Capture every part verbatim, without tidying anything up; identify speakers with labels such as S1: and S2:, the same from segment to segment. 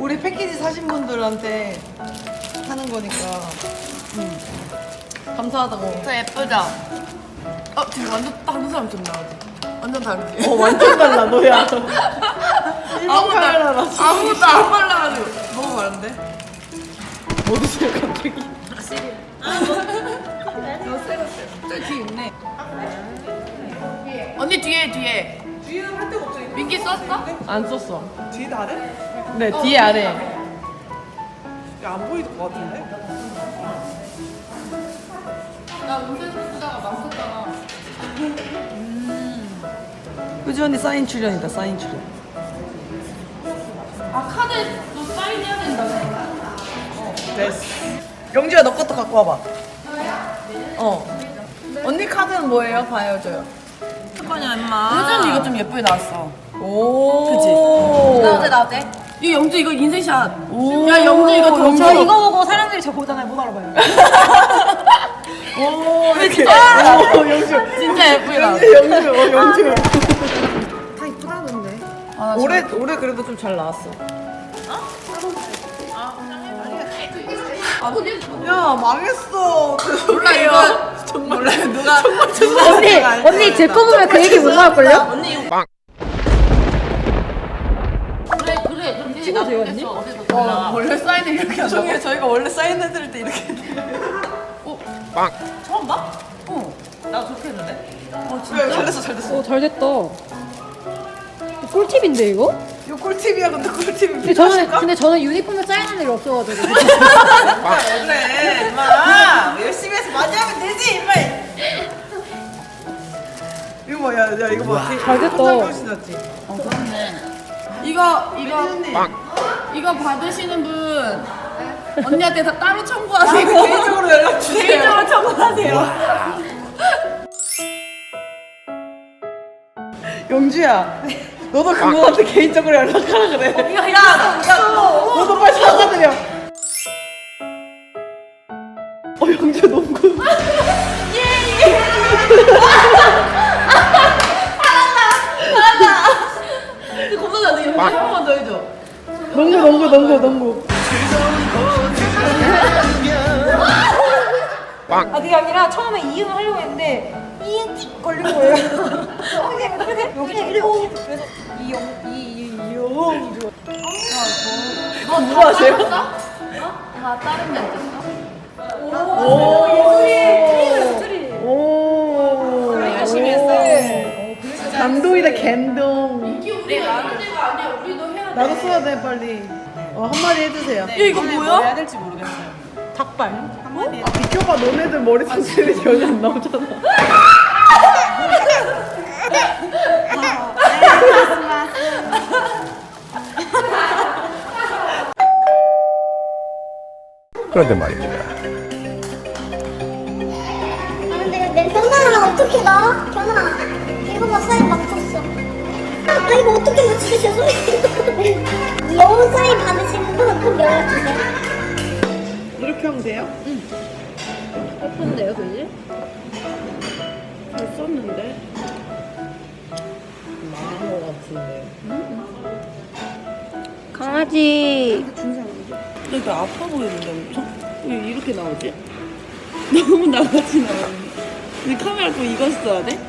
S1: 우리 패키지 사신 분들한테 하는 거니까. 응. 감사하다고.
S2: 더 예쁘죠? 어 지금 완전 다른 사람처럼 나오지? 완전 다르지?
S1: 어 완전 달라 너야.
S2: 아무도
S1: 카메라라.
S2: 아무도 안 발라가지고 너무 다른데?
S1: 어디서 갑자기?
S2: 저기 뒤에 있네. 언니 뒤에 뒤에.
S1: 뒤에는 할 데가 없어.
S2: 민기 썼어?
S1: 안 썼어.
S3: 뒤에 아래?
S1: 네 뒤에 아래.
S3: 야안 보일 것 같은데?
S2: 나 운세 쓰다가 망쳤잖아.
S1: 효지 언니 사인 출연이다 사인 출연.
S2: 아 카드도 사인해야 된다고.
S1: 됐어. 영주야 너 것도 갖고 와봐. 어. 언니 카드는 뭐예요? 봐요줘요.
S2: 잠깐이야 임마. 요즘 이거 좀 예쁘게 나왔어.
S1: 오.
S2: 그치? 나어때 나어때? 이 영주 이거 인생샷.
S1: 오.
S2: 야 영주 이거 더
S1: 영주.
S4: 저 이거 보고 사람들이 저 보잖아요. 못 알아봐요.
S1: 오 이렇게.
S2: 진짜?
S1: 오 영주.
S2: 진짜 예쁘게 나왔어.
S1: 영주 어 영주.
S4: 다 이쁘다던데.
S2: 아,
S1: 올해 올해 그래도 좀 잘 나왔어. 야 망했어.
S2: 몰라 이거 정말 몰라 누가
S4: 언니, 언니 제 거 보면 그 얘기 못 나올걸요?
S2: 언니 이거 그래 그래 그렇게
S4: 찍어도 돼요, 언니?
S2: 어디서 어, 원래 사인을 이렇게 한다고?
S1: 나중에 저희가 원래 사인해드릴 때 이렇게.
S2: 처음 봐? 어. 나 좋게 했는데?
S1: 어 진짜 잘 됐어 잘 됐어.
S4: 오, 잘 됐다. 꿀팁인데 이거?
S1: 이거 꿀팁이야 근데 꿀팁이
S4: 근데 저는
S1: 필요하실까?
S4: 근데 저는 유니폼에 사인한 일이 없어가지고.
S1: 왜 그래 임마 열심히 해서 많이 하면 되지 임마. 이거 봐, 야, 야 이거 봐.
S4: 잘 됐다.
S1: 훨씬 낫지.
S2: 어 그렇네. 이거 이거
S1: 언니.
S2: 이거 받으시는 분 언니한테 다 따로 청구하세요.
S1: 개인적으로 연락 주세요.
S2: 개인적으로 청구하세요.
S1: 영주야, 너도 그거한테 개인적으로 연락하라 그래.
S2: 이거 야, 야,
S1: 너도 빨리 사과드려. 어 영주 농구.
S2: 겁나 나 연습 한번 더 해줘.
S1: 농구 농구 농구 농구.
S4: 아 그게 아니라 처음에 이응을 하려고 했는데 이응 틱 걸린 거예요. 어, 그냥 그렇게 여기 이러고 그래서 이용 이용 이용.
S1: 너 누구 하세요?
S2: 어? 나 다른 멘트 써?
S1: 오. 오.
S2: 열심히 했어.
S1: 감동이다 감동.
S2: 이게 우리 나한테가 아니야. 우리도 해야 돼.
S1: 나도 써야 돼 빨리. 어 한마디 해주세요.
S2: 야, 이거 뭐야?
S3: 해야 될지 모르겠어요.
S1: 닭발. 아, 비켜봐 너네들 머리 상태이 전혀 안 나오잖아.
S5: 그런데 말입니다.
S6: 아 근데 내 변화를 어떻게 나? 변화 이거 봐 사인 맞췄어. 아 이거 어떻게 맞추지 죄송해요. 여우 사인 받으시는 분은 꼭 연락 주세요.
S1: 이렇게 하면 돼요?
S4: 예쁜데요, 그지?
S1: 잘 썼는데. 망한 거 같은데.
S4: 강아지.
S3: 근데 나 아파 보이는데 엄청? 왜 이렇게 나오지? 너무 나같이 나오는데. 근데 카메라 또 이거 써야 돼?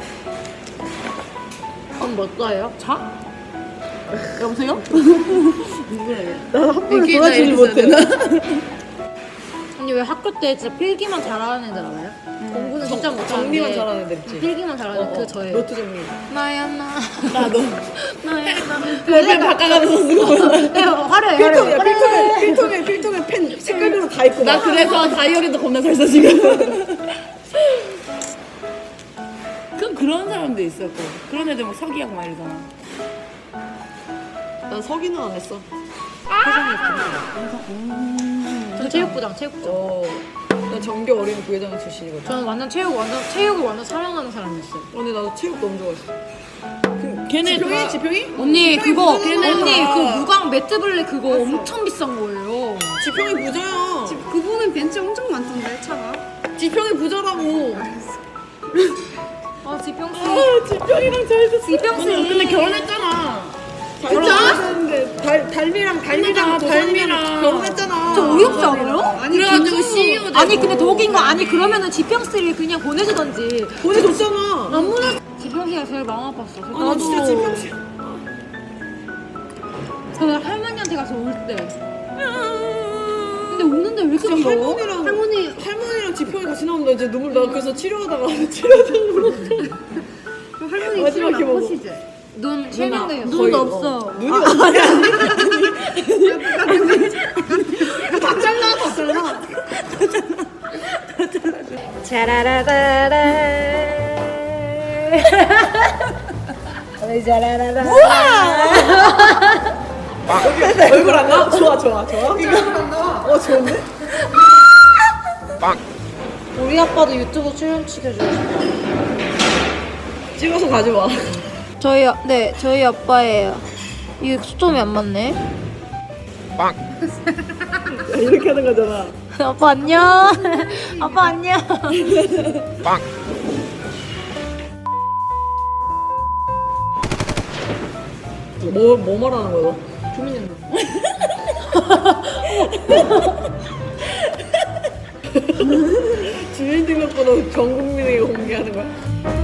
S4: 그럼 뭐 써요? 자?
S3: 여보세요?
S1: 나한 번에 도와주지 못해.
S4: 언니 왜 학교 때 진짜 필기만 잘하는 애들 알아요? 공부는 진짜 못하는데
S1: 정리만 잘하는 애들 있지.
S4: 필기만 잘하는 그 저예요.
S1: 노트 정리.
S4: 나야 나.
S3: 나도.
S4: 나야 나.
S3: 얼굴 바꿔가면서 쓰고.
S4: 네, 화려해
S1: 필통이야
S4: 화려해.
S1: 필통에 필통에 필통에 펜 색깔별로 다 있고.
S3: 나
S1: 막.
S3: 그래서 다이어리도 겁나 잘 써 지금. 그럼 그런 사람도 있었고 그런 애들 막 서기하고 막 이러잖아.
S1: 난 서기는 안 했어.
S4: 저 체육부장 체육부장.
S1: 어. 난 정교 어린이 부회장 출신이거든.
S4: 저는 완전 체육 완전 체육을 완전 사랑하는 사람이었어요.
S1: 언니 나도 체육 너무 좋아했어.
S3: 걔네
S1: 지평이
S3: 다
S1: 지평이?
S4: 언니 그거
S1: 부자잖아.
S4: 언니 그 무광 매트블랙 그거 엄청 비싼 거예요.
S1: 지평이 부자야.
S4: 그분은 벤츠 엄청 많던데 차가.
S1: 지평이 부자라고.
S4: 아 지평 씨.
S1: 아 지평이랑 잘 됐어.
S4: 지평 씨.
S3: 근데 결혼했잖아.
S1: 결혼했는데 달 달미랑 달미랑 달미랑 결혼했잖아.
S4: 저 어이없지 않아요?
S2: 아니 그래가지고 씨이오 되고.
S4: 아니 근데 더 웃긴 거 아니 그러면은 지평씨를 그냥 보내주던지.
S1: 보내줬잖아.
S4: 안 보내. 지평씨가 제일 마음 아팠어.
S1: 아, 나 진짜 지평씨.
S4: 저는 할머니한테 가서 울 때. 근데 우는데 왜 이렇게 울어?
S1: 할머니랑
S4: 할머니
S1: 할머니랑 지평이 같이 나오면 이제 눈물 나. 그래서 치료하다가 치료하다가 울었어.
S4: 할머니
S1: 마지막에
S4: 치료
S1: 먹어.
S4: 나쁘시지? 눈 실명돼요.
S1: 거의,
S4: 눈도
S1: 어.
S4: 없어.
S1: 눈이 없어. 다 잘라, 다 잘라.
S4: 자라라라라. 자라라라.
S1: 얼굴 안 나와? 좋아, 좋아, 좋아. 이거 안 나와. 어, 좋은데?
S4: 우리 아빠도 유튜브 출연 시켜주고 싶어.
S1: 찍어서 가져와.
S4: 저희 아- 네 저희 아빠예요. 이게 초점이 안 맞네.
S1: 이렇게 하는 거잖아.
S4: 아빠 안녕. 아빠 안녕.
S1: 뭐, 뭐 말하는 거야, 너? 주민등록번호 전 국민에게 공개하는 거야?